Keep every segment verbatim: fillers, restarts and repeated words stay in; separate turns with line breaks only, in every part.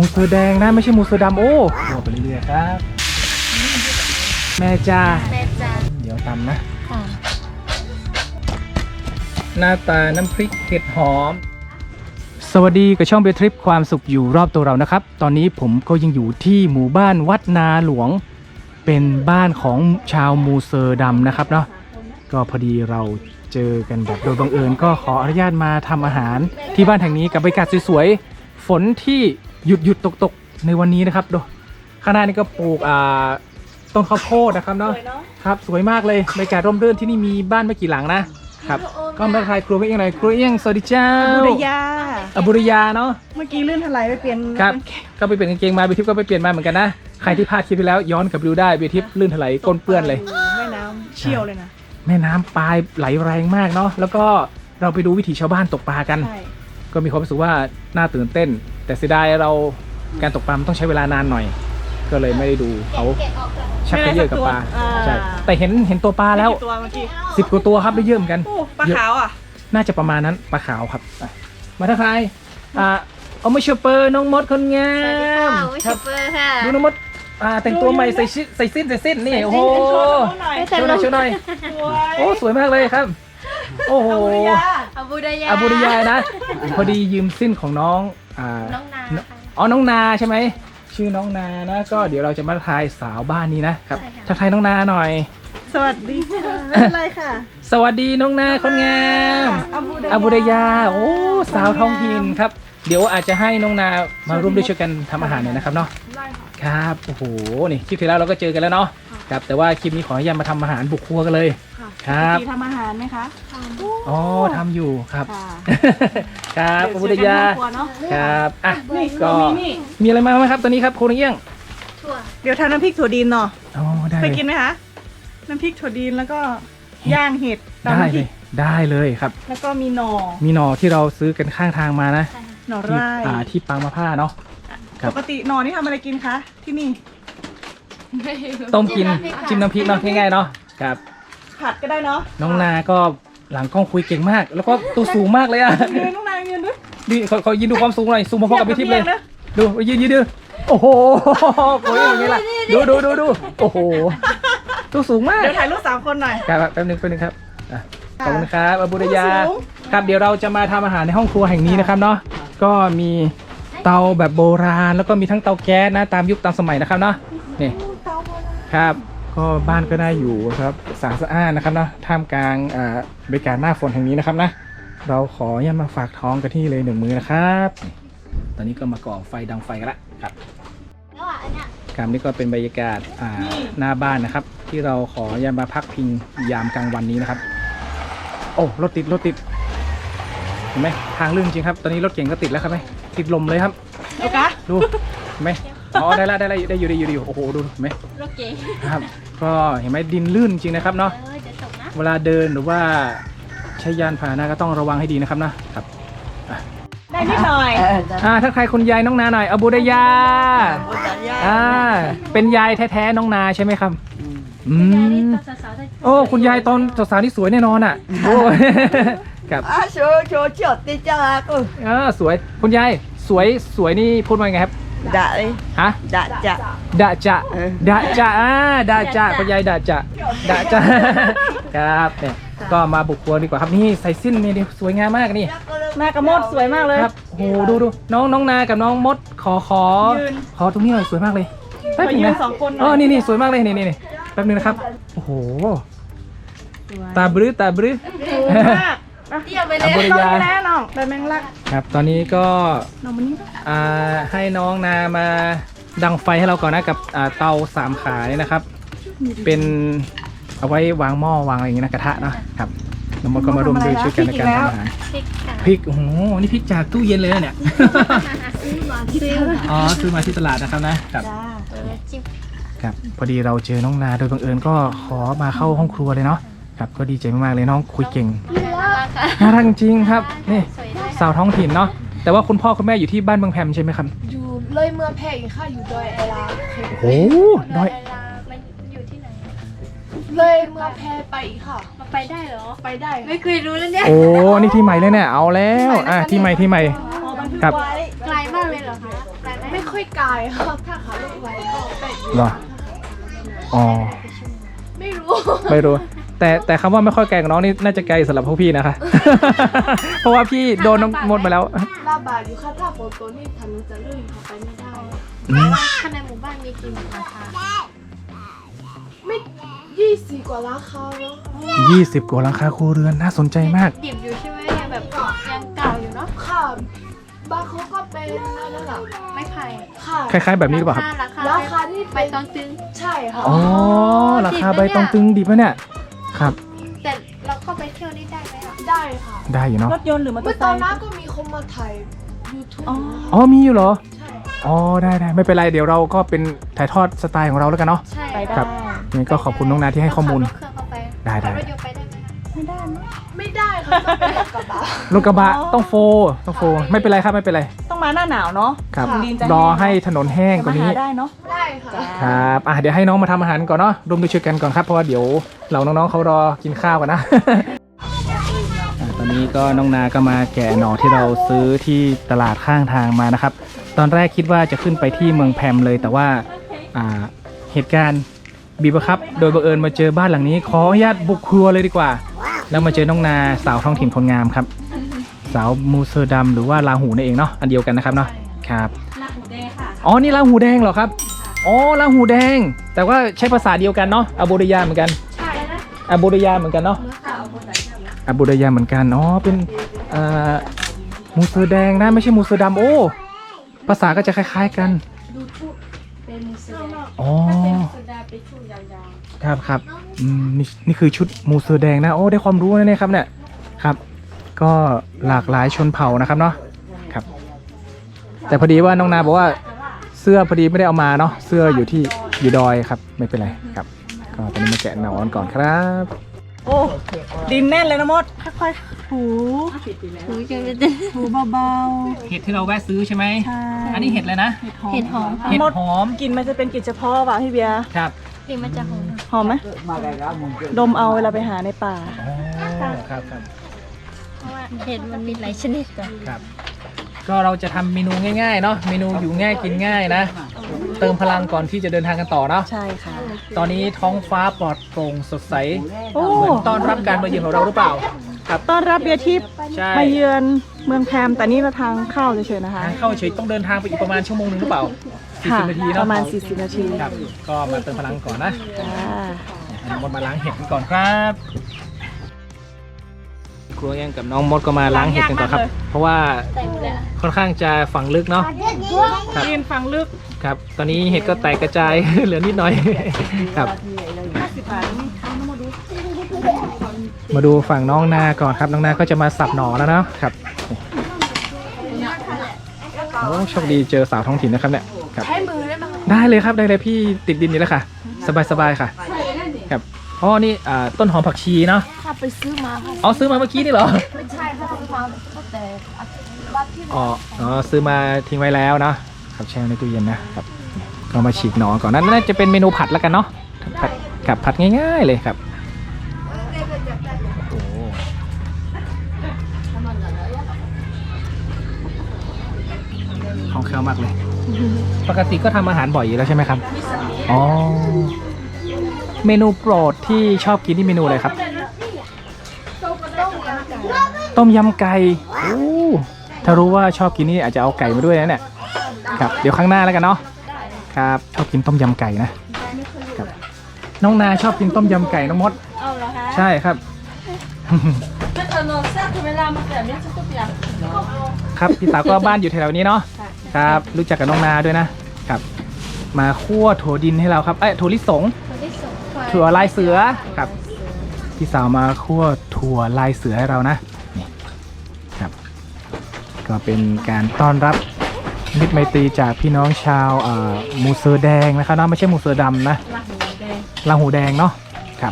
มูเสือแดงนะไม่ใช่มูเสือดำโอ้ตัวไปเรื่อยๆครับแม่จ้าแม่จ้าเดี๋ยวตำนะหน้าตาน้ำพริกเห็ดหอมสวัสดีกับช่องเบทริปความสุขอยู่รอบตัวเรานะครับตอนนี้ผมก็ยังอยู่ที่หมู่บ้านวัดนาหลวงเป็นบ้านของชาวมูเซอร์ดำนะครับเนาะก็พอดีเราเจอกันแบบโดยบังเอิญก็ขออนุญาตมาทำอาหารที่บ้านแห่งนี้กับบรรยากาศสวยๆฝนที่หยุดหยุดตกตกในวันนี้นะครับดูข้างหน้านี่ก็ปลูกอ่าต้นข้าวโพดนะครับเนาะครับสวยมากเลยบรรยากาศร่มรื่นที่นี่มีบ้านไม่กี่หลังนะครับก็มาถ่ายครัวเอียงหน่อยครัวเอียงสวัสดีเจ้า
บุรยา
อบุรยาเนาะ
เมื่อกี้ลื่นถลายไปเปลี่ยน
ครับก็ไปเปลี่ยนกางเกงมาเบียทิพย์ก็ไปเปลี่ยนมาเหมือนกันนะใครที่พลาดคลิปไปแล้วย้อนกลับไปดูได้เบียทิพย์ลื่นถลายก้นเปื้อนเลย
แม่น้ำเชี่ยวเลยนะ
แม่น้ำปลายไหลแรงมากเนาะแล้วก็เราไปดูวิถีชาวบ้านตกปลากันก็มีความรู้สึกว่าน่าตื่นเต้นแต่เสียดายเราการตกปลาต้องใช้เวลานานหน่อยก็เลยไม่ได้ดูเขาชักเยอะกับปลาใช่แต่เห็นเห็นตัวปลาแล้วสิบกว่าตัวครับได้เยอะเหมือนกัน
ปลาขาวอ่ะ
น่าจะประมาณนั้นปลาขาวครับมาทักทายอ่าเอามาชูเปอร์น้องมดคนงาม
ชูเปอร์ค่ะ
ดูน้องมดอ่าแต่งตัวใหม่ใส่ชิ้นใส่สิ้นใส่สิ้นนี่โอ้โหช่วยหน่อยช่วยหน่อยโอ้สวยมากเลยครับโอ้โห
อบูดายา
อบูดายานะพอดียืมสิ้นของน้องอ่า
น้องนา
อ๋อน้องนาใช่ไหมชื่อน้องนานะก็เดี๋ยวเราจะมาทายสาวบ้านนี้นะครับทักทายน้องนาหน่อย
สวัสดีค่ะอะไรค่ะ
สวัสดีน้องนาคนงามอบูดายาโอ้สาวท้องถิ่นครับเดี๋ยวอาจจะให้น้องนามาร่วมด้วยช่วยกันทำอาหารหน่อยนะครับเนาะครับโอ้โหนี่คลิปที่แล้วเราก็เจอกันแล้วเนาะครับแต่ว่าคลิปนี้ขออนุญาตมาทำอาหารบุกครัวกันเลยครับ
ทำอาหารไหมคะ
อ๋อทำอยู่ครับครับอบูดายาครับอ่ะก็มีอะไรมาไหมครับตอนนี้ครับโคเอี้ยง
เดี๋ยวทำน้ำพริกถั่วดินเนาะ
อ๋อได้
เคยกินไหมคะน้ำพริกถั่วดินแล้วก็ย่างเห็ด
ได้เลยได้เลยครับ
แล้วก็มีหน่อ
มีหน่อที่เราซื้อกันข้างทางมานะ
หน่อไร่
อ่าที่ปังมะพร้าวเนาะ
ปกติหน่อนี่ทำอะไรกินคะที่นี่
ต้มกินจิ้มน้ำพริกเนาะง่ายๆเนาะครับ
ผัดก็ได้เนาะ
น้องนาก็หลังกล้องคุยเก่งมากแล้วก็ตัวสูงมากเลยอ่ะ
ยืนน้องนายืนด้วย
ดิขอขอยืนดูความสูงหน่อยสูงพอๆกับพี่ทิพย์เลยดูยืนยืนดูโอ้โหโอ้ยอย่างนี้ล่ะดูดูดูดูโอ้โหตัวสูงมาก
เดี๋ยวถ่ายรูปสามคนหน่อย
ครับแป๊บนึงแป๊บนึงครับขอบคุณครับอบูดายาครับเดี๋ยวเราจะมาทำอาหารในห้องครัวแห่งนี้นะครับเนาะก็มีเตาแบบโบราณแล้วก็มีทั้งเตาแก๊สนะตามยุคตามสมัยนะครับเนาะนี่ครับก็บ้านก็ได้อยู่ครับสะอาดสะอ้านนะครับเนาะท่ามกลางบรรยากาศหน้าฝนแห่งนี้นะครับนะเราขอเนี่ยมาฝากท้องกันที่เลยหนึ่งมือนะครับตอนนี้ก็มาก่อไฟดังไฟกันละครับครับนี่ก็เป็นบรรยากาศหน้าบ้านนะครับที่เราขอเนี่ยมาพักพิงยามกลางวันนี้นะครับโอ้รถติดรถติดเห็นไหมทางลื่นจริงครับตอนนี้รถเก่งก็ติดแล้วครับไหมติดลมเลยครับ
โอเค
ดูเห็นไหมอ๋อได้แล้วได้แล้วได้อยู่ได้อยู่ได้อยู่โอ้โหดูเห็นไหม
รถเก่ง
ครับก็เห็นไหมดินลื่นจริงนะครับเนาะเวลาเดินหรือว่าใช้ยานพาหนะก็ต้องระวังให้ดีนะครับนะครับ
ได้นิดหน่อย
อ่าถ้าใครคุณยายน้องนาหน่อยอบูดายาอ่าเป็นยายแท้ๆน้องนาใช่ไหมครับอืมโอ้คุณยายตอนสาวๆนี่สวยแน่นอนอ่ะโอ้ครับ
อ่ะโชว์โชว์จดติจ้ากู
เออสวยคุณยายสวยสวยนี่พูดว่าไงครับ
ดะเลย
ฮะ
ดะจะ
ดะจะดะจะอ่าดะจะคุณยายดะจะดะจะครับเนี่ยก็มาบุกครัวดีกว่าครับนี่ใส่สิ้นนี่สวยงามมากนี่
นากระมดสวยมากเลย
ครับโอ้ดูดูน้องน้องนากับน้องมดขอขอขอตรงนี้หน่อยสวยมากเลย
แป๊บนึงนะสองคน
อ๋อนี่นี่สวยมากเลยนี่นี่แป๊บนึงนะครับโอ้โหตาบรื้อตาบรื้อ
เที่ยวไปเลย
อบูดายา
แน่น้องแต่แมงลัก
ครับตอนนี้ก็อ่าให้น้องนามาดังไฟให้เราก่อนนะกับเตาสามขาเนี่ยนะครับเป็นเอาไว้วางหม้อวางอะไรอย่างเงี้ยนะกระทะเนาะครับน้ำมันก็มาร่วมด้วยช่วยกันในการทำอาหารพริกโอ้โหนี่พริกจากตู้เย็นเลยเนี่ยอ๋อซื้อมาที่ตลาดนะครับนะครับครับพอดีเราเจอน้องนาโดยบังเอิญก็ขอมาเข้าห้องครัวเลยเนาะครับก็ดีใจมากๆเลยน้องคุยเก่งน่ารักจริงครับนี่สาวท้องถิ่นเนาะแต่ว่าคุณพ่อคุณแม่อยู่ที่บ้านเมืองแพมใช่ไหมครับ
อยู่เลยเมืองแพร่อีกค่ะอยู่ดอยไอลา
โอ้ดอย
มันอยู่ที่ไหน
เลยเมืองแพร่ไปอีกค่ะ
มาไปได้เหรอ
ไปได้
ไม่เคยรู้แล้วเนี่ย
โอ้นี่ที่ใหม่เลยเนี่ยเอาแล้วอ่ะที่ใหม่ที่ใหม่
ครับไกลมากเลยเหรอคะ
ไม่เคค่อยไกลครับถ้าขาลงไว้ก็แปด
เหรออ๋อ
ไม่รู้
ไม่รู้ แต่แต่คำว่าไม่ค่อยไกลของน้องนี่น่าจะไกลสำหรับพวกพี่นะคะ เพราะว่าพี่โดนน้องมดมาแล้ว
ลาบากอยู่ค่ะถ้าฝนตกนี่ถนนจะลื่นเข้าไปไม่ได้
อืม
ข้างในหมู่บ้านมีกี่หมู่บ้านคะ
ไม่ยี่สิบกว่าราคาแล้วค่ะ
ยี่สิบกว่าหลังคาครัวเรือนน่าสนใจมาก
ดิบอยู่ใช่ไหมยังแบบยังเก่าอยู่เนาะ
ค่ะบางเขาก็เป็นนั่นแหละ
ไม่ไผ่
ค่ะ
คล้ายๆแบบนี้หรือเปล่าครับ
ราคา
ราคาที่
ใบ
เป็น
ตองตึง
ใช่ค่ะ
อ๋อ ราคาใบตองตึงดิบแล้วเนี่ย ครับ
แต่เราเข้าไปเที่ยวนี่ได้ไหมอ่ะ
ได้ค่ะ
ได้อยู่เนาะ
รถยนต์หรือมอเตอ
เมื่อ
ร์ไซ
ตอน
ค์
นั้นก็มีคนมาถ่าย YouTube
อ๋อ
อ๋อมีอยู่เหรอ
ใช่
อ๋อ ได้ได้ไม่เป็นไร เดี๋ยวเราก็เป็นถ่ายทอดสไตล์ของเราแล้วกันเนาะ
ใช่
ไปได้
ครับ งั้นก็ขอบคุณน้องนาที่ให้ข้อมูล
ขับรถเครื่องเข้าไป
ได้ได้
ขับรถยนต์ไปได้ไหมอะ
ไม่ได้มั้ย
ไม่ได้ค่ะต้องเป็นรถกระบะ
รถกระบะ
อ๋อ
ต้องโฟต้องโฟไม่เป็นไรครับไม่เป็นไร
ต้องมาหน้าหนาวเนาะ
ครับ
ดินจะ
รอ
แห้ง
ให้ถนนแห้งก
มา
ว่านี้
หาได้เนาะ
ได้ค่ะ
จ้า
ครับอ่ะเดี๋ยวให้น้องมาทำอาหารก่อนเนาะร่วมด้วยช่วยกันก่อนครับเพราะว่าเดี๋ยวเราน้องๆเขารอกินข้าวกันนะ อ่ะตอนนี้ก็น้องนาก็มาแกะหน่อที่เราซื้อที่ตลาดข้างทางมานะครับ ตอนแรกคิดว่าจะขึ้นไปที่เมืองแพมเลย แต่ว่าอ่าเหตุการณ์บีบบังคับ โดยบังเอิญมาเจอบ้านหลังนี้ ขออนุญาตบุกครัวเลยดีกว่า แล้วมาเจอน้องนาสาวท้องถิ่นคนงามครับ สาวมูเซอร์ดัมหรือว่าลาหูนั่นเองเนาะอันเดียวกันนะครับเนาะครับ
ลาหูแดงค่ะ
อ๋อ นี่ลาหูแดงเหรอครับ อ๋อลาหูแดง แต่ว่าใช้ภาษาเดียวกันเนาะอโบริยาเหมือนกัน
ใช่แล้วนะ
อโบริยาเหมือนกันเนาะอโบริยาเหมือนกัน อ๋อ เป็นเอ่อมูเซอร์แดงนะ ไม่ใช่มูเซอร์ดำโอ้ ภาษาก็จะคล้ายๆกัน
ดูชุดเป็นมูสเดง
อ๋อ
ถ้าเป็นมูสดาเป็นชุดยาว
ครับครับอืมนี่นี่คือชุดมูเซอร์แดงนะ โอ้ ได้ความรู้นะเนี่ยครับเนี่ย ครับ ก็หลากหลายชนเผ่านะครับเนาะ ครับ แต่พอดีว่าน้องนาบอกว่าเสื้อพอดีไม่ได้เอามาเนาะ เสื้ออยู่ที่อยู่ดอยครับ ไม่เป็นไรครับ ก็ตอนนี้มาแกะหนอนก่อนครับ
โอ้ดินแน่นเลยนะมดค่อยๆถู
ๆหูจะเป็น
ถูเบา
เห็ดที่เราแวะซื้อใช่ไหม
ๆใช่
อันนี้เห็ดเลยนะ
เห็ดหอมค่ะ
เห็ด
มด
หอม
กลินมันจะเป็นกลิ่นเฉพาะว่ะพี่เบียร์
ครับ
กลิ่นมันจะหอม
หอมไหมดมเอาเวลาไปหาในป่า
อ๋อ ครับครับ
เพราะว่าเห็ดมันมีหลายชนิดจ้ะ
ครับ ก็เราจะทำเมนูง่ายๆเนาะ เมนูอยู่ง่ายกินง่ายนะ เติมพลังก่อนที่จะเดินทางกันต่อเนาะ
ใช่ค่ะ
ตอนนี้ท้องฟ้าปลอดโปร่งสดใส
โอ้
เหมือนต้อนรับการมาเยือนของเราหรือเปล่า ครับ
ต้อนรับเบียร์ทิพย์
ใช่
มาเยือนเมืองแพมแต่นี่เราทางเข้าเฉยๆนะคะ
ทางเข้าเฉยต้องเดินทางไปอีกประมาณชั่วโมงหนึงหรือเปล่า
ค่ะ
สี่สิบนาที
ป
เนาะ
ระมาณสี่สิบนาที
ครับ ก็มาเติมพลังก่อนนะ
จ้า
น้องมดมาล้างเห็ดกันก่อนครับครูแองกับน้องมดก็มาล้างเห็ดกันก่อนครับ เพราะว่า
ใส่หมดเลยอะ
ค่อนข้างจะฝังลึกเนาะ ครับ
ดินฟังลึก
ครับ ตอนนี้เห็ดก็แตกกระจาย เหลือนิดหน่อย ครับ
ห้าสิบบาทนี่เอาน้ำมาดู
มาดูฝั่งน้องนาก่อนครับ น้องนาก็จะมาสับหน่อแล้วเนาะครับโอ้โชคดีเจอสาวท้องถิ่นนะครับเนี่ยครับ
ใช้มือได้ไหมคะ
ได้เลยครับได้เลยพี่ติดดินนี่แล้วค่ะ สบายสบายๆค่ะครับอ๋อนี่อ่าต้นหอมผักชีเนาะ
ค่ะไปซื้อมาค่ะ
อ๋อซื้อมาเมื่อกี้นี่เหรอ
ไม่ใช่ค่ะซื้อมาตั้งแต่วัดที่
อ๋ออ๋อซื้อมาทิ้งไว้แล้วเนาะครับแช่ในตู้เย็นนะครับก็มาฉีกหน่อก่อนนั่นน่าจะเป็นเมนูผัดแล้วกันเนาะผัดกับผัดง่ายๆเลยครับโอ้โหคล่องแคล่วมากเลย ปกติก็ทำอาหารบ่อยอยู่แล้วใช่ไหมครับอ๋อเมนูโปรดที่ชอบกินที่เมนูอะไรครับ ต้มยำไก่โอ้ถ้ารู้ว่าชอบกินนี่อาจจะเอาไก่มาด้วยนะเนี่ย ครับ เดี๋ยวข้างหน้าแล้วกันเนาะ ครับ ชอบกินต้มยำไก่นะครับ น้องนาชอบกินต้มยำไก่น้องมด
เอาเหรอคะ
ใช่ครับ ครับ พี่สาวก็บ้านอยู่แถวๆนี้เนาะ ครับ รู้จักกับน้องนาด้วยนะ ครับ มาคั่วถั่วดินให้เราครับ เอ้ยถั่วลิสง
คนที่สอง
ถั่วลายเสือ ครับ พี่สาวมาคั่วถั่วลายเสือให้เรานะ นี่ ครับ ก็เป็นการต้อนรับมิตรไมตรีจากพี่น้องชาวเอ่อมูเซอร์แดงนะครับเนาะไม่ใช่มูเซอร์ดำนะ
ลาหูแดง
ลาหูแดงเนาะ ครับ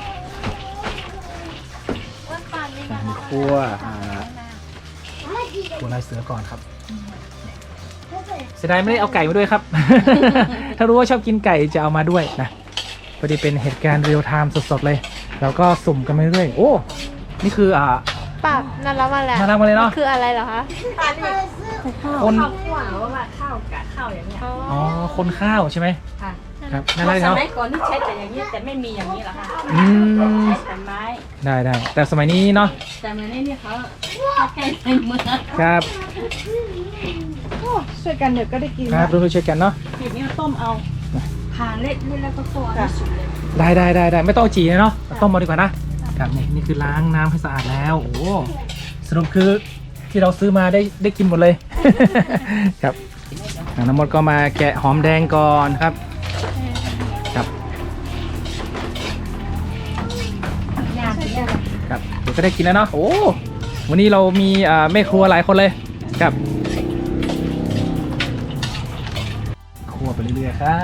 ว่าปานนี่
กา
นะ
รคั่วอ่าถั่วลายเสือก่อนครับ เสียดายไม่ได้เอาไก่มาด้วยครับ ถ้ารู้ว่าชอบกินไก่จะเอามาด้วยนะ พอดีเป็นเหตุการณ์เรียลไทม์สดๆเลย แล้วก็สุ่มกันไปเรื่อยๆโอ้ นี่คืออ่า
ปากนั่นแล้วมาแล้ว
มาทำกันเลยเนาะ
คืออะไรเหรอคะ
อ
ใส่ข้าว
คน
ข้าวคั่วหรือว่าข้าวกะข้าวอย่างเงี้ย
อ๋อคนข้าวใช่ไหม
ค่ะ
ครับน่ารัก
ส
เนาะ
มัยก่อนที่ใช้แต่อย่างนี้แต่ไม่มีอย่างนี้หรอกค่ะ
อืม
ใช้แต่ไม้
ได้ได้แต่สมัยนี้เนาะ
แต่เมื่อนี้เนี่ยเขาเขาแก้ในเมือง
ครับ
โอ้ช่วยกันเดี๋ยวก็ได้กิน
ครับร่วมๆช่วยกันเนาะ
เห็ดนี้ต้มเอา
ผ่าเล็ดนี่แล้วก็คั่วให้สุดเลย
ได้ได้ได้ได้ไม่ต้องเอาจีนะเนาะต้มมาดีกว่านะครับนี่นี่คือล้างน้ำให้สะอาดแล้วโอ้โหสรุปคือที่เราซื้อมาได้ได้กินหมดเลย ครับอ่ะน้ำมดก็มาแกะหอมแดงก่อนครับครับ
ยากยาก
ครับเดี๋ยวก็ได้กินแล้วเนาะโอ้วันนี้เรามีอ่าแม่ครัวหลายคนเลยครับคั่วไปเรื่อยๆครับ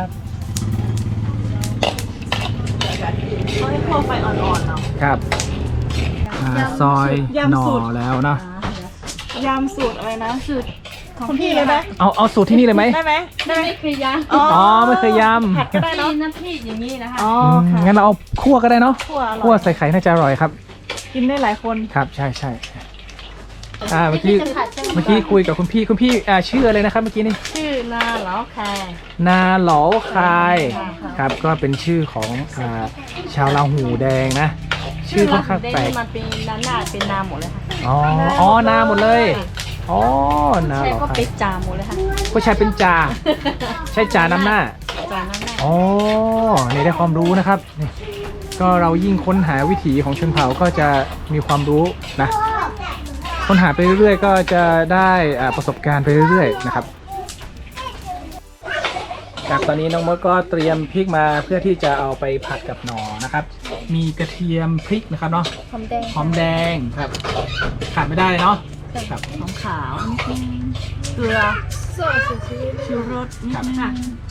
เขาให้คั่วไฟอ่อนๆเนาะ
ครับอ่าซอย
ยำ
หน่อ
สูตร
แล้วเนาะ
ยำสูตรอะไรนะ
สูตรของ
คุณพี่เลยไหม
เอาเอาสูตรที่นี่เลยไหม
ได้ไหม
ไม่ไม่เคยย่าง
อ๋อ
อ๋อไม่เคยย
ผัดก็
ำ
ได้เนาะ
น้ำพริกอย่างนี้นะคะ
อ๋อ
อืม
ค่ะ
งั้นเราเอาคั่วก็ได้เนาะ
คั่วอร่
คั่ว
อย
ใส่ไข่น่าจะอร่อยครับ
กินได้หลายคน
ครับใช่ใช่อ่าเมื่อกี้เมื่อกี้คุยกับคุณพี่คุณพี่อ่าชื่ออะไรนะครับเมื่อกี้นี่
ชื่อนาเหลาแคร์
นาเหลาคาย
ค่ะ
ครับก็เป็นชื่อของอ่าชาวลาหูแดงนะ ชื่อค่อนข้างแปลก
มันเป็นนาหน้าเป็นนาหมดเลยค่ะ
อ๋ออ๋อนาหมดเลยอ๋อนา
ใช่
เหลา
ก็
คา
เป็
ย
นจาหมดเลยค่ะ
ก็ใช้เป็นจ่าใช้จ่านำหน้า
จาน้ำหน้า
อ๋อนี่ได้ความรู้นะครับนี่ก็เรายิ่งค้นหาวิถีของชนเผ่าก็จะมีความรู้นะค้นหาไปเรื่อยๆ ก็จะได้อ่าประสบการณ์ไปเรื่อยๆนะครับครับตอนนี้น้องมดก็เตรียมพริกมาเพื่อที่จะเอาไปผัดกับหน่อนะครับ มีกระเทียมพริกนะครับเนาะ
หอมแดง
หอมแดงครับขาดไม่ได้เลยเนาะครับ
หอมขาว
เกลือ
色是其实
ชูรสนิด
ครับ
นึง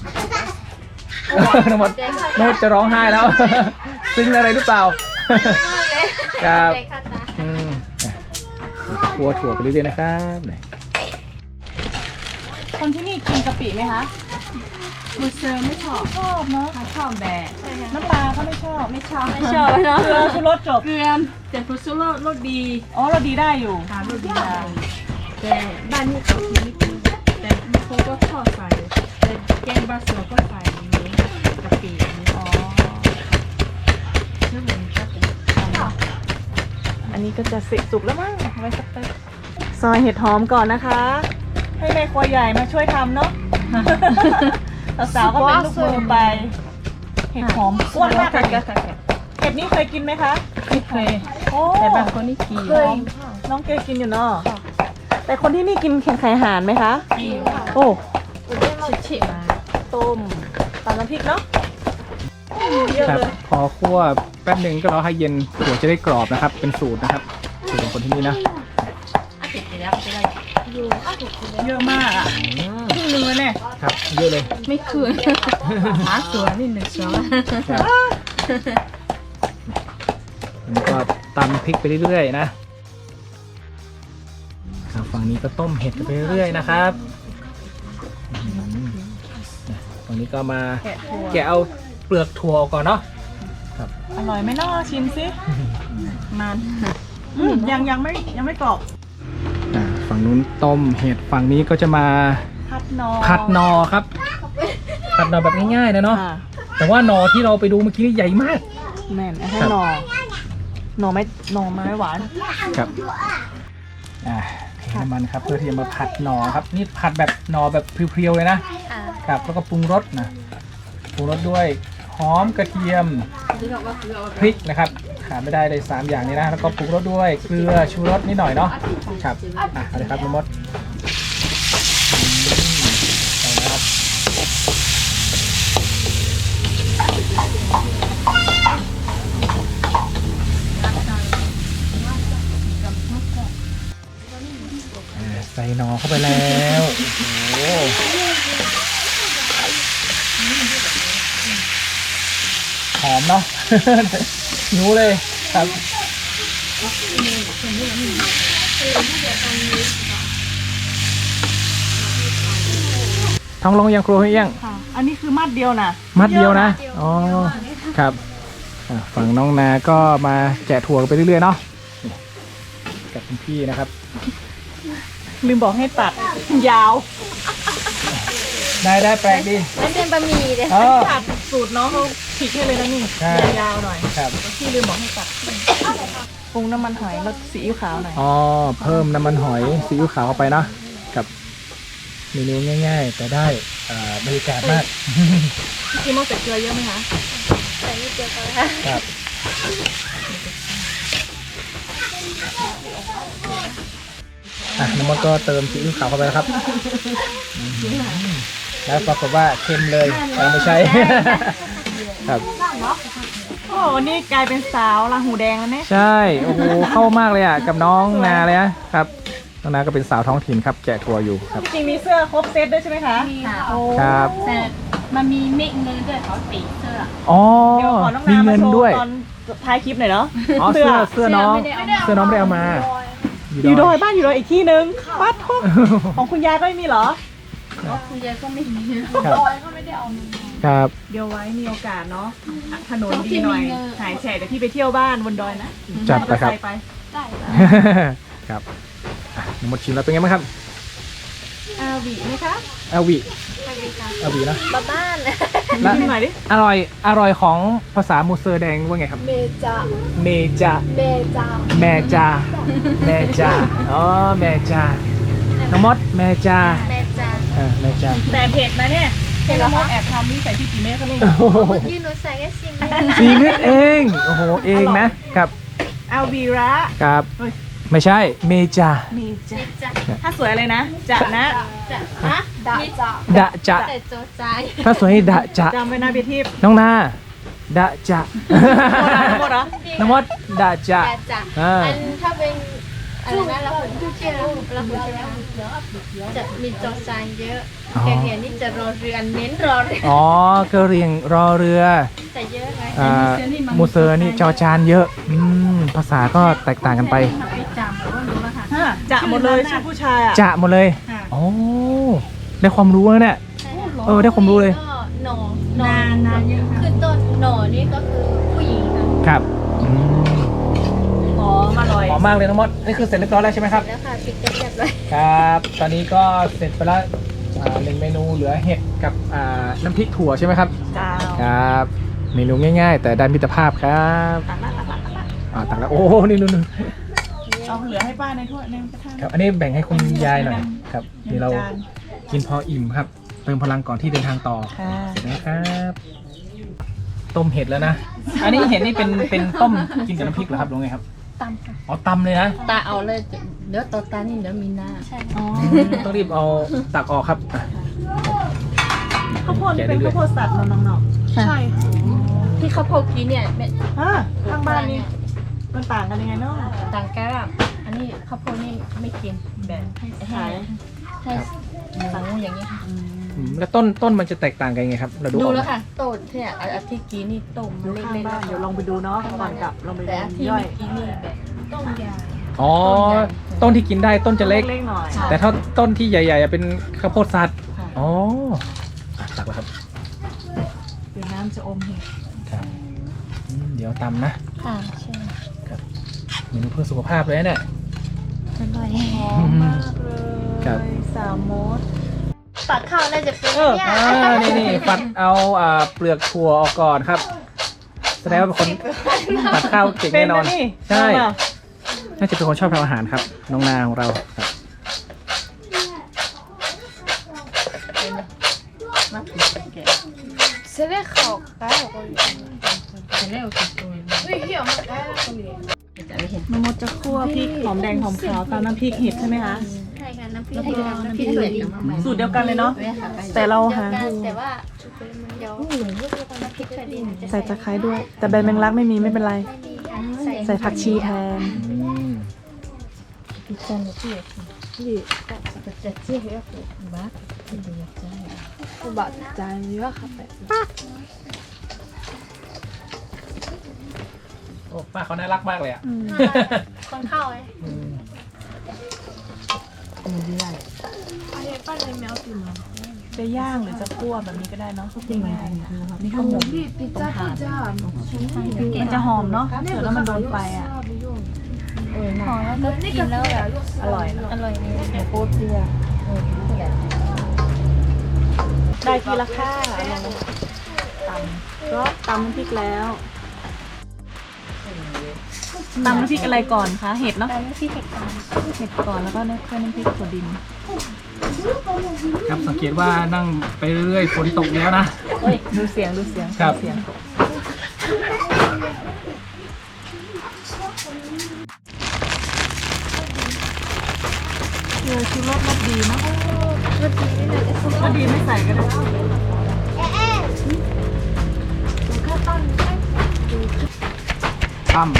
น้องมดน้องมดจะร้องไห้แล้ว ซึ้งอะไรหรือเปล่า ครับอืมอ่ะครัวถั่วไปเรื่อยๆนะครับไหน
คนที่นี่กินกะปิไหมคะ
มูเซอร์ไม่ชอบ
ชอบเนาะ
ชอบแบบ
น้ำปลาก็ไม่ชอบ
ไม่ชอบไม่ชอบเนาะ
เกลือชูรสจบ
เกลือแต่ฟูซุโรรสดี
อ๋อเราดีได้อยู่
ทานรสดีได้แต่บ้านนี้เขากินไม่กินแต่บางคนก็ชอบใส่แต่แกงบาสโซก็ใส่อย่างนี้กะปิอย่างนี้อ๋อชื่อเหมือนจะเป็น
อันนี้ก็จะเสร็จสุกแล้วมั้งเอาไว้สักแป๊บซอยเห็ดหอมก่อนนะคะ ให้แม่ครัวใหญ่มาช่วยทำเนาะ สาวๆก็เป็นลูกมือไป เห็ดหอมอ้วนมากเลยเห็ดนี้เคยกินไหมคะ
ไม่เคย
โอ้
แต่บางคนนี่กิน
เคยน้องเกยกินอยู่เนาะแต่คนที่นี่กินแข่งไข่หานไหมคะ
กิน
โอ้
ชิๆมา
ต้มตำน้ำพริกเนาะเยอะ
ครับ
เลย
พอคั่วแป๊บหนึ่งก็รอให้เย็นถั่วจะได้กรอบนะครับ เป็นสูตรนะครับสูตรของคนที่นี่นะ
อาติดไปแล้วไปแล้ว
เยอะมากอ่ะครึ่งหนึงเลยเนี่ย
ครับเยอะเลย
ไม่คืนหาสวนนี่หนึ่งสวน
ครับแล้วก็ตำพริกไปเรื่อยๆนะครับฝั่งนี้ก็ต้มเห็ดกันไปเรื่อยๆนะครับอืมนะฝั่งนี้ก็มา
แกะถั่ว
แกะเอาเปลือกถั่วออกก่อนเนาะ
อร่อยไหมเนาะชิมสิ
มัน
อืมยังยังไม่ยังไม่กรอบ
อ่าฝั่งนู้นต้มเห็ดฝั่งนี้ก็จะมา
ผัดนอ
ผัดหนอครับ ผัดหนอแบบง่ายๆนะเนาะ
ค่ะ
แต่ว่าหนอที่เราไปดูเมื่อกี้นี่ใหญ่มาก
แม่นให้
ครับ
หนอหนอไม้หนอไม้หวาน
ครับอ่าเทน้ำมันครับเพื่อที่จะมาผัดหนอครับนี่ผัดแบบหนอแบบเพียวๆเลยนะ
อ่า
ครับแล้วก็ปรุงรสนะปรุงรสด้วยหอมกระเทียมพริกนะครับขาดไม่ได้เลยสามอย่างนี้นะแล้วก็ปรุงรสด้วยเกลือชูรสนิดหน่อยเนาะครับอ่ะเอาเลยครับน้องมดอืมเอาละครับอ่าใส่หนอเข้าไปแล้วโอ้โหหอมเนาะ หิวเลยครับท้องลงยังครัวให้ยัง
ค่ะ อันนี้คือมัดเดียวนะ
มัดเดียวนะ อ๋อ ครับอ่ะฝั่งน้องนาก็มาแกะถั่วกันไปเรื่อยๆเนาะนี่กับคุณพี่นะครับ
ลืมบอกให้ตัดยาว
ได้ได้แปลกดี
มันเป็นบะหมี่เลย
เออ
ตัดสูตรน้องเขาผิดให้เลยนะนี่
ใช่
ยาวๆหน่อย
ครับ
พี่ลืมบอกให้ตัดปรุงน้ำมันหอยแล้วซีอิ๊วขาวหน่อย
อ๋อเพิ่มน้ำมันหอยซีอิ๊วขาวเข้าไปเนาะกับเมนูง่าย ๆ แต่ได้อ่าบรรยากาศมาก
พี่โมใส่เกลือเยอะไหมคะ
ใส่นิดเดียวก็ได้
ครับอ่ะน้ำมันก็เติมซีอิ๊วขาวเข้าไปแล้วครับอืมแล้วปรากฏว่าเค็มเลยเราไม่ใช่ ครับ
โอ้นี่กลายเป็นสาวลาหูแดงแล้วเนี่ย
ใช่ โอ้โห เข้ามากเลยอ่ะ กับน้องนาเลยนะครับ น้องนาก็เป็นสาวท้องถิ่นครับ แกะทัวร์อยู่ครับ
จริงๆมีเสื้อครบเซตด้วยใช่ไหมคะ
มีค่ะ
โอ้
ครับ
แต่มันมีเมฆเงินด้วยเขาตีเสื้อ
อ๋อ
เดี๋ยวขอน้อง
มี
นามา
เงิน
โช
ด้วย
ว์ตอนท้ายคลิปหน่อยเนาะ
อ๋อ เสื้อ เสื้อน้อง
เสื้อไม่ได้เอามา
เสื้อน้องไม่ได้เอามา
อยู่ดอยบ้านอยู่ดอยอีกที่นึงปัดทุกของคุณยายก็ไม่มีเหรอ
เพราะคุณยายก็ไม่มี
ครับ ครับ
เดี๋ยวไว้มีโอกาสเนาะอ่ะถนน
ต้องที่
ดีหน่อย
มีเงิน
หายแฉะเดี๋ยวพี่ไปเที่ยวบ้านบนดอยนะ
จัดไปครับ
มอเตอไซค์
ได้
ครับอ่ะหมดชิมแล้วเป็นไงบ้างครับ
อาวีไหมคะ
เอลวีเอลวีนะ
บ้าบ้าน
และ
ชิมหน่อยดิ
อร่อย อร่อยของภาษามูเซอร์แดงว่าไงครับ
เมจา
เมจา
เมจา
แม่จาแม่จาอ๋อ แม่จาน้องมดแม่จา
แม่จ้า
อ่าแม่จา
แต่เผ็ดนะเนี่ยเห็นแล้วมดแอบทำนี่ใส่ที่กี่เม็ดก็ไม่รู้
โอ้โห
ยืนหนูใส่แค่สิบ
สี่เม็ดเอง โอ้โห เองนะ ครับ
อาวีระ
ครับ
เฮ้ย
ไม่ใช่ เมจา
มีจ้ะ
จ้า
ถ้าสวยอะไรนะจะนะ
จ้าฮะ
ดาจา
ดะจะ
แต่โจใจ
ถ้าสวยให้ดะจะ
จำไว้นะเบียร์ทิพย์
น้องนา ดะจะ
หมดเหรอ
น้องมดดะจะ
แต่จ้า
อ่า
อันถ้าเป็นอะไรนะเราคนที่เชื่อเราคนใช่ไหมจะมีโจใจเยอะแกงเขียนนี่จะรอเรือนเน้นรอเรือน
อ๋อกระเรียงรอเรือ
แต่เยอะไง
อ่ามูเซอร์นี่จอจานเยอะ อืม ภาษาก็แตกต่างกันไป
ไปจำก็รู้แล้วค่ะ
ฮะจะหมดเลยชื่อผู้ชายอ่ะ
จะหมดเลย
ค่ะ
โอ้ ได้ความรู้แล้วเนี่ย เออได้ความรู้เลย
ก็หนอหนอ
นานนานเยอะค่ะ
คือต้นหนอนี่ก็คือผู้หญิงค่ะ
ครับอืม
หอมอร่อย
หอมมากเลยน้องมด นี่คือเสร็จเรียบร้อยแล้วใช่ไหมครับ
แล้วค่ะปิดกันเรียบร้อย
ครับ ตอนนี้ก็เสร็จไปแล้วอ่าหนึ่งเมนูเหลือเห็ดกับอ่าน้ำพริกถั่วใช่ไหมครับ
จ้าว
ครับ เมนูง่ายๆ แต่ได้มิตรภาพครับ
ตักละตักละตักละ
อ่าตักแล้วโอ้โหนี่นู่น
เอาเหลือให้ป้าในถ้วยในกระทะ
ครับ อันนี้แบ่งให้คุณยายหน่อยครับ
หนึ่
เดี๋ยว
ง
เรา
จาน
กินพออิ่มครับ เติมพลังก่อนที่เดินทางต่อ
ค่ะ
นะครับ ต้มเห็ดแล้วนะ อันนี้เห็ดนี่เป็นเป็นต้มกินกับน้ำพริกเหรอครับหรือไงครับ
ตำค่ะ
อ๋อตำเลยนะ
ตาเอาเลยเดี๋ยวตอตานี่เดี๋ยวมีหน้า
ใช่
อ๋อ
ต้องรีบเอาตักออกครับอ่ะ
ข้าวโพดนี่เป็นข้าวโพดสัตว์เนอะน้อง
ใช่ที่เขาโพดกินเนี่ยเป็น
ๆอ่าข้างบ้านนี่มันต่างกันยังไงเนาะ
ต่างกันอะอันนี้ข้าวโพดนี่ไม่กินแบบให้
ขาย
ให้สั่งอย่างนี้ค่ะ
อืมแล้วต้นต้นมันจะแตกต่างกันยังไงครับ เราดู
ดู
ออกไหม
แล้วค่ะต้นเนี่ยอาทิตย์กี้นี่ต้ม
อยู่
เล็
ข้าง
กๆ
บ้านเดี๋ยวลองไปดูเนาะก่อนกลับลองไป
แต่
ดู
อาทิตย์
ย่อย
เมื่อกี้นี่แบบต้มยา
อ๋อ ต้นที่กินได้ต้นจะเล็ก
เล็กๆหน่อย
ใช่
แต่ถ้าต้นที่ใหญ่ๆอ่ะเป็นข้าวโพดสัตว์
ค่ะ
อ๋ออ่ะตักแล้วครับ
เดี๋ยวน้ำจะอมเห็ด
ครับอืมเดี๋ยวตำนะ
ค่ะใช่
เมนูเพื่อสุขภาพเลยนะเนี่ย
อร่อย
หอมมากเลย
ครับ
สามมด
ปักข้าวน่าจะเป็น
เออ
เนี่ย
อ่านี่นี่ปัดเอาอ่าเปลือกถั่วออกก่อนครับ แสดงว่าเป็นคนปัดข้าวเก่ง
เป็
แน่นอน
ะนี่
ใช่
เอาเปล่า
น่าจะเป็นคนชอบทำอาหารครับ น้องนาของเราครับ
มาถึงแก่
เสร็จเขาได้หรอคน
จะเร็วสุดตัวเลย
เฮ้ยเหี่ยวมันได้แล้วคนนี้
จะไม่เห็น
น้ำมดจะคั่วพริกหอมแดงหอมขาวตามน้ำพริกเห็ดใช่ไหมคะ
ใช่ค่ะน้ำพริก
แล้ว
ให้
ก็
กับน้ำ
น้ำ
พ
พ
ริ
ริ
ก
ก
ส
ส
ว
วย ย
สูตรเดียวกันเลยเนาะ
ไม่ค่ะไป
แต่เรา
เดียว
หา
กันแต่ว่าเดี๋ยวน้ำพริกสวยดินจะ
ใส่ตะไคร้ด้วย แต่ใบแมงลักไม่มีไม่เป็นไร
ไม่มีค่ะใส่
ใส่ผักชีแทน
อืม
พิซซ่าเจี๊ยบที่จะจะเจี๊ยบก็คือบ้าจะอยากได้
กูบัดจานเยอะค่ะแบบ
โอ้ป้าเขาน่ารักมากเลยอ่ะ
คนเข้าเลย
อืม
มีได้
อันนี้ป้าในแมวตื่นมา
จะย่างหรือจะคั่วแบบนี้ก็ได้เนาะง่ายๆนี่ข้าวหม
พี่พิซซ่าพิซซ่า
มันจะหอมเนาะเดี๋ยวแล้วมันโดนไฟอ่ะ
ไม่ยุ่ง
หอมแล้วก็กินแล้วแบบ
อร่อยเนอะ
อร่อยเลย
หมูโป๊เปียได้ทีละค่าตำก็ตำน้ำพริกแล้วตำน้ำพริกอะไรก่อนคะเห็ดเนาะ
ตอนนี้พี่เห็ดก่อน
เห็ดก่อนแล้วก็น้ำน้ำพริกถั่วดิน
ครับสังเกตว่านั่งไปเรื่อยๆฝนตกแล้วนะ
ดูเสียงดูเสียง
ครับ
ดูเสียงเออชูรสรสดีนะ
รสดีไม่น่าจะสุก
รสดีไม่ใส่ก็ได้
ตำ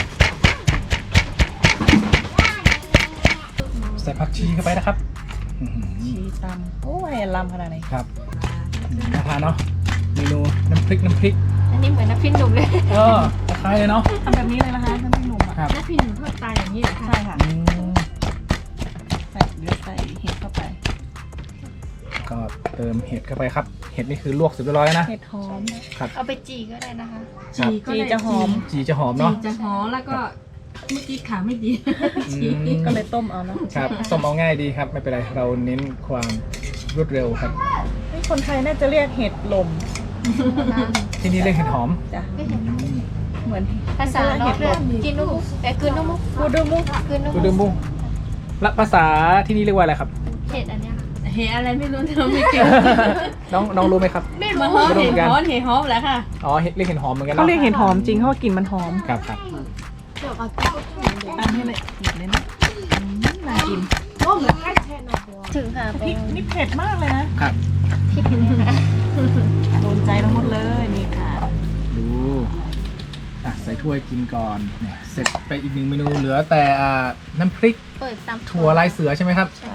ใส่ผักชีเข้าไปนะครับอื้อหือ
ชีตำโอ้ยลำขนาดไหน
ครับน่าทานเนาะเมนูน้ำพริกน้ำพริก
อันนี้เหมือนน้ำพริกหนุ่มเลย
เออคล้ายๆเลยเนาะ
ทำแบบนี้เลยนะคะน้ำพริกหนุ่มอ่ะ
ครับ
น้ำพริกหนุ่มทอดตายอย่างนี้เหรอคะ
ใช่ค่ะ
อืม
ใส่เดี๋ยวใส่เห็ดเข้าไป
ก็เติมเห็ดเข้าไปครับ เห็ดนี่คือลวกเสร็จเรียบร้อยแล้วนะ
เห็ดหอม
ครับ
เอาไปจีก็ได้นะคะ
ครับ
จีจะหอม
จีจะหอม
จี
เนาะ
จะหอมแล้วก็เมื่อกี้ขาไม่ดี
อืม
ก็เลยต้มเอาเนาะ
ครับต้มเอาง่ายดีครับไม่เป็นไรเราเน้นความรวดเร็วครับ
นี่คนไทยน่าจะเรียกเห็ดลม
ที่นี่เรียกเห็ดหอม
จ้ะ
ไม่เห็น
เหมือน
ภาษาเนาะกินนุ่มแต่คืนนุ่ม
กูดูมุก
คืนนุ่ม
กูดูมุ้งและภาษาที่นี่เรียกว่าอะไรครับ
เห็ดอันเนี้ยค่ะ
เห็ดอะไรไม่รู้เธอไม่เก่ง
น้องน้องรู้ไหมครับ
ไม่รู้หอมเห็ดหอมเห็ดหอมแหละค่ะ
อ๋อเห็ดเรียกเห็ดหอมเหมือนกัน
เขา
เนาะ
เรียกเห็ดหอมจริงเพราะว่ากลิ่นมันหอม
ครับครับ
อันนี้เลยหยิบเลยนะอืมน่ากิน
ถึงค่ะ
พริกนี่เผ็ดมากเลยนะครับ
พริกเนี่ยค่ะ
โดนใจทั้งหมดเลยนี่ค่ะ
ดูอ่ะใส่ถ้วยกินก่อนเนี่ยเสร็จไปอีกหนึ่งเมนูเหลือแต่อ่าน้ำพริก
เปิดตาม
ถั่วลายเสือใช่ไหมครับ
ใช่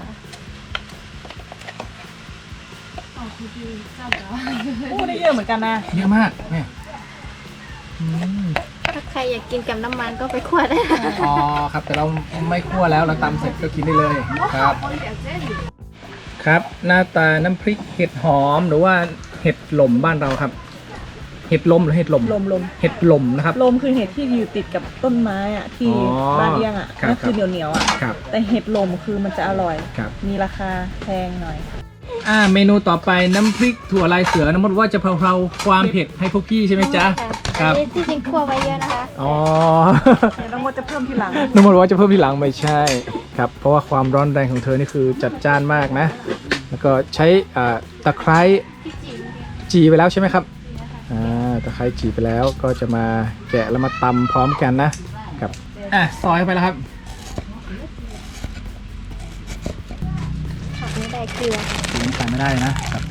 โอ้ได้เยอะเหมือนกันนะ
เยอะมากเนี่ยอืม
ถ้าใครอยากกินกับน้ำมันก็ไปขวดได้ค่ะ
อ๋อครับแต่เราไม่คั่วแล้วเราตำเสร็จก็กินได้เลยครับ ครับ หน้าตาน้ำพริกเห็ดหอมหรือว่าเห็ดหล่มบ้านเราครับ เห็ดลมหรือเห็ดหล่ม
ลมลม
เห็ดหล่มนะครับ
ลมคือเห็ดที่อยู่ติดกับต้นไม้อะที่
อ๋อ
บ้านเลี้ยงอะ
ครับ
นั่นคือเหนียวเหนียวๆอะ
ครับ
แต่เห็ดลมคือมันจะอร่อย
ครับ
มีราคาแพงหน่อย
อ่าเมนูต่อไปน้ำพริกถั่วลายเสือน้ำมันว่าจะเพลาๆความเผ็ดให้พวกพี่ใช่ไหมจ๊ะค
อั
รั
น
บ
นี้ที่จริงคั่วไว้เยอะนะคะ
อ๋อ
เดี๋ยวน้องมดจะเพิ่มทีหลัง
น้ำมันว่าจะเพิ่มทีหลังไม่ใช่ครับ เพราะว่าความร้อนแรงของเธอนี่คือจัดจ้านมากนะ แล้วก็ใช้อ่าตะไคร้
ที่จีนเนี่ย
จีไปแล้วใช่ไหมครับอ่าตะไคร้จีไปแล้วก็จะมาแกะแล้วมาตำพร้อมกันนะครับอ่ะซอยเข้าไปแล้วครับ
ผักไม่ได้เกลือ
สีน้ำตาลไม่ได้นะครับ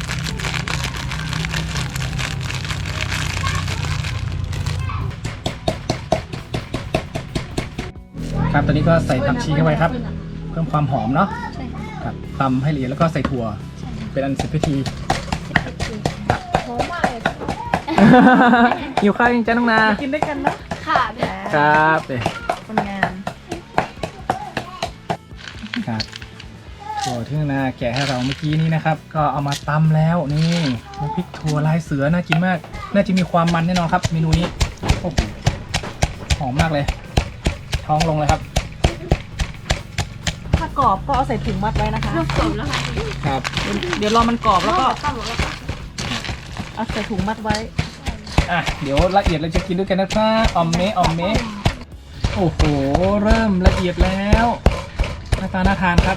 ครับตอนนี้ก็ใส่ผักชีเข้าไปครับ เพิ่มความหอมเนาะ
ใช่ค่ะ
ครับตำให้ละเอียดแล้วก็ใส่ถั่วเป็นอันเสร็จพิธี
ที่เป็นจีนหอมมากเลย
หิวข้าวยังจ้าน้องนา
กินด้วยกันนะ
ค่ะเนี่ย
ครับเนี่ย
คนงาน
ครับถั่วที่น้องนาแกะให้เราเมื่อกี้นี้นะครับ ก็เอามาตำแล้วนี่น้ำพริกถั่วลายเสือน่ากินมาก น่าจะมีความมันแน่นอนครับเมนูนี้โอ้โหหอมมากเลย ท้องลงเลยครับ
ถ้ากรอบก็เอาใส่ถุงมัดไว้นะคะ
ลูกกลมแล้วค่ะ
ครับ
เดี๋ยวรอมันกรอบแล้วก็
ข้าวหมดแล้วค่ะ
เอาใส่ถุงมัดไว้
อ่ะเดี๋ยวละเอียดเราจะกินด้วยกันนะครับออมเมะออมเมะโอ้โหเริ่มละเอียดแล้วหน้าตาน่าทานครับ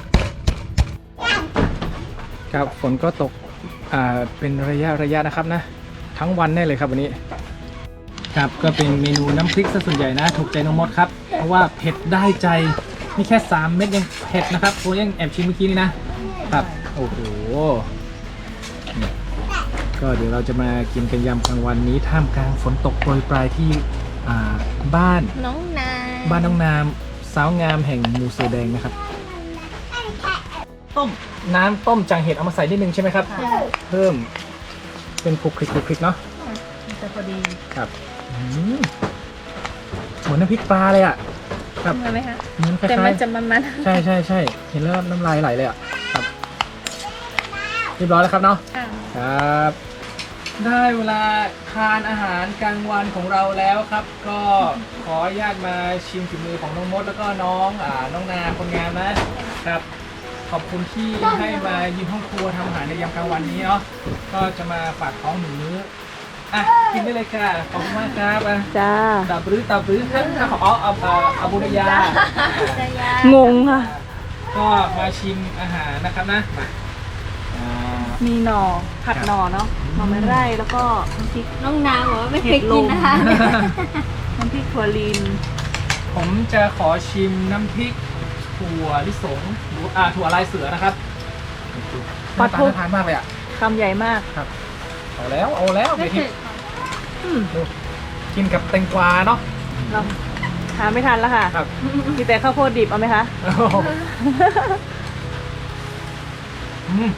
ครับฝนก็ตกอ่าเป็นระยะระยะนะครับนะ ทั้งวันแน่เลยครับวันนี้ ครับก็เป็นเมนูน้ำพริกซะส่วนใหญ่นะ ถูกใจน้องมดครับ เพราะว่าเผ็ดได้ใจนี่แค่สามเม็ดยังเผ็ดนะครับโอ้ยังแอบชิมเมื่อกี้นี่นะครับโอ้โหนี่ก็เดี๋ยวเราจะมากินกันยำกลางวันนี้ท่ามกลางฝนตกโปรยปลายที่อ่าบ้าน
น้องนา
บ้านน้องนามสาวงามแห่งหมูเสือแดงนะครับ
ต้ม
น้ำต้มจังเห็ดเอามาใส่นิดนึงใช่ไหมครับ เพิ่มเป็นคลุกคลิกคลุกคลิกเนาะ
มันจะพอดี
ครับอืมเหมือนน้ำพริกปลาเลยอ่ะครับ
เหมือนไหมคะ
เหมือนคล้ายๆ
แต่มันจะมัน
ใช่ใช่ใช่เห็นแล้วน้ำลายไหลเลยอ่ะครับเรียบร้อยแล้วครับเนาะ
ๆอ่า
ครับได้เวลาทานอาหารกลางวันของเราแล้วครับ ก็ขออนุญาตมาชิมฝีมือของน้องมดแล้วก็น้องอ่าน้องนาคนงามนะครับ ขอบคุณที่ให้มายืมห้องครัวทำอาหารในยามกลางวันนี้เนาะก็จะมาฝากท้องหนึ่งมื้ออ่ะกินได้เลยค่ะขอบคุณมากครับอ่ะ
จ้า
ตับรื้อตับรื้อครับขอเอาเอาอาบุรยา
งงค่ะ
ก็มาชิมอาหารนะครับนะมาอ่า
มีหน่อผัดหน่อเนาะหน่อไม้ไร่แล้วก็น้ำพริก
น้องนาบอกว่าไม่เคยกินนะคะ
น้ำพริกถั่วลีน
ผมจะขอชิมน้ำพริกถั่วลิสงหรืออ่าถั่วลายเสือนะครับหน้าตาน่าทานมากเลยอ่ะ
คำใหญ่มาก
ครับเอาแล้วเอาแล้ว
ไม่
เดี๋ยว
เค
ที่
ย
ดูกินกับแตงกวาเนาะ
เราหาไม่ทันแล้วค่ะ
ครับ
มีแต่ข้าวโพดดิบเอาไหมคะ
โอ้โหอืม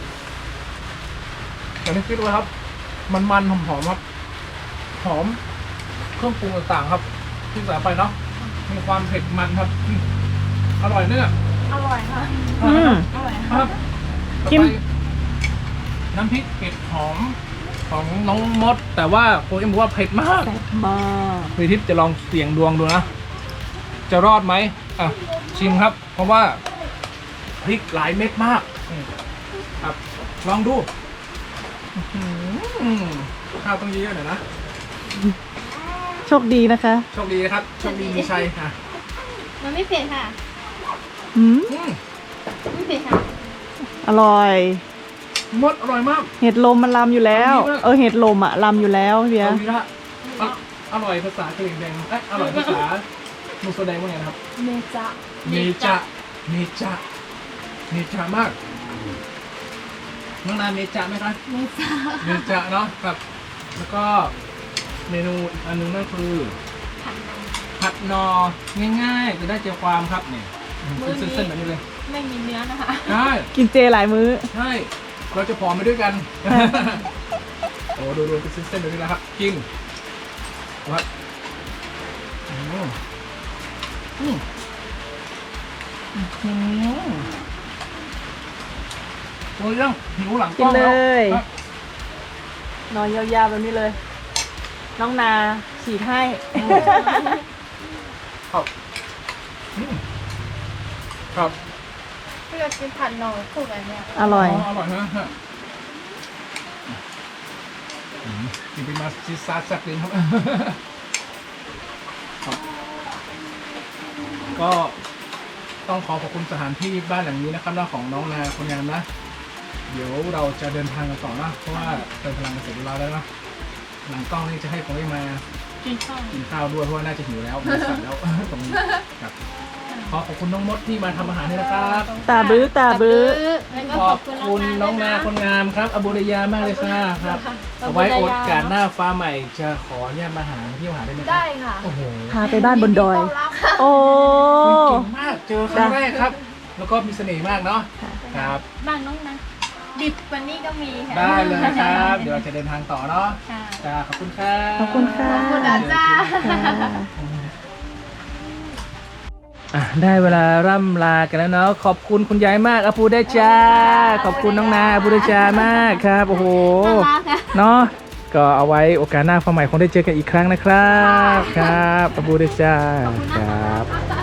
อย่างที่คิดไว้ครับ มันมันหอมหอมๆครับ หอมเครื่องปรุงต่างๆครับ ที่ใส่ไปเนาะมีความเผ็ดมันครับอืมอร่อยเนี่ย
อร่อยค่ะ
อืม
อร่อย
ค
ค่ะ
รับ
จิ้ม
ต่อไปน้ำพริกเผ็ดหอมของน้องมด แต่ว่าโค้ชบอกว่าเผ็ดมาก
แซ่บมาก
พี่ทิพย์จะลองเสี่ยงดวงดูนะ จะรอดไหมอ่ะชิมครับ เพราะว่าพริกหลายเม็ดมากอืมครับ ลองดูอื้อหือข้าวต้องเยอะๆหน่อยนะ
โชคดีนะคะ
โชคดีนะครับ โชคดีมีชัยอ่ะ
มันไม่เผ็ดค่ะ
อืม
อืม
ไม่เผ็ดค่ะ
อร่อย
มดอร่อยมาก
เห็ดลมมันลำอยู่แล้ว
เอาดีมาก
เออเห็ดลมอะลำอยู่แล้วเบีย
เอา
ร์
ดีละอ่ะอร่อยภาษากะเหรี่ยงแดงเอ้ยอร่อยภาษามุสแดงว่าไงนะครับ
เมจะ
เมจะเมจะเมจะมากน้องนาเมจะไหมครับ
ไม่จ้า
เมจะเนาะครับ แล้วก็เมนูอีกอันหนึงนั่นคือผัดหนอง่ายๆ จะได้เจียวความครับเนี่ยเป็นเส้นๆแบบนี้เลย
ไม่มีเนื้อนะคะ
ใช่
กินเจหลายมื้อ
ใช่เราจะผอมไปด้วยกัน โอ้ดูดูเป็นเส้นๆแบบนี้แล้วครับกินวัดอืมอืมอืมโอ้ยยังหิวหลังกล้อง
กิน
แล้ว
เลย
ครับ
นอนยาวๆแบบนี้เลย น้องนาฉีดให้
ครับอืมครับ
ที่เรากินผัดหน่อคู่กันเนี่ย
อร่อย
อร่อยนะฮะอืมกินไปมาซีซาร์แซ่บเลยครับ ครับก็ต้องขอขอบคุณสถานที่บ้านหลังนี้นะครับนะของน้องนาคนงามนะ เดี๋ยวเราจะเดินทางกันต่อนะ เพราะว่าเติมพลังกันเสร็จเรียบร้อยแล้วนะหลังกล้องนี่จะให้ผมได้มา
กินข้าว
กินข้าวด้วยเพราะว่าน่าจะหิวแล้วมาสั่งแล้ว ตรงนี้ครับขอขอบคุณน้องมดที่มาทำอาหารให้นะครับ
ตาบื้อตาบื้อ
แล้วก็
ข
ข
อ
อ
บบ
คุณ
คุณน้องนาคนงามครับอบุรยามากเลยค่ะครับเอาไว้โอกาสหน้าฟ้าใหม่จะขอเนี่ยมาหาที่มาหาได้ไหมครับ
ได้ค่ะ
โอ้โห
พาไปบ้านบนดอย
ต้อนรับค่ะ
โอ้
คุณเก่งมากเจอครั้งแรกครับ แล้วก็มีเสน่ห์มากเนาะครับ
บ้านน้องนะดิบกวันนี้ก็มีค่ะ
ได้เลยครับ เดี๋ยวเราจะเดินทางต่อเนาะ
ค่ะ
จ้าขอบคุณครับ
ขอบคุณค่ะ
ขอบคุณอาจารย์
อ่ะได้เวลาร่ำลากันแล้วเนาะขอบคุณคุณยายมากอาปูได้จ้าขอบคุณน้องนาอาปูได้จ้ามากครับโอ้โห
น่ารักค่ะ
เนาะก็เอาไว้โอกาสหน้าฟ้าใหม่คงได้เจอกันอีกครั้งนะครับครับอาปูได้จ้าครับ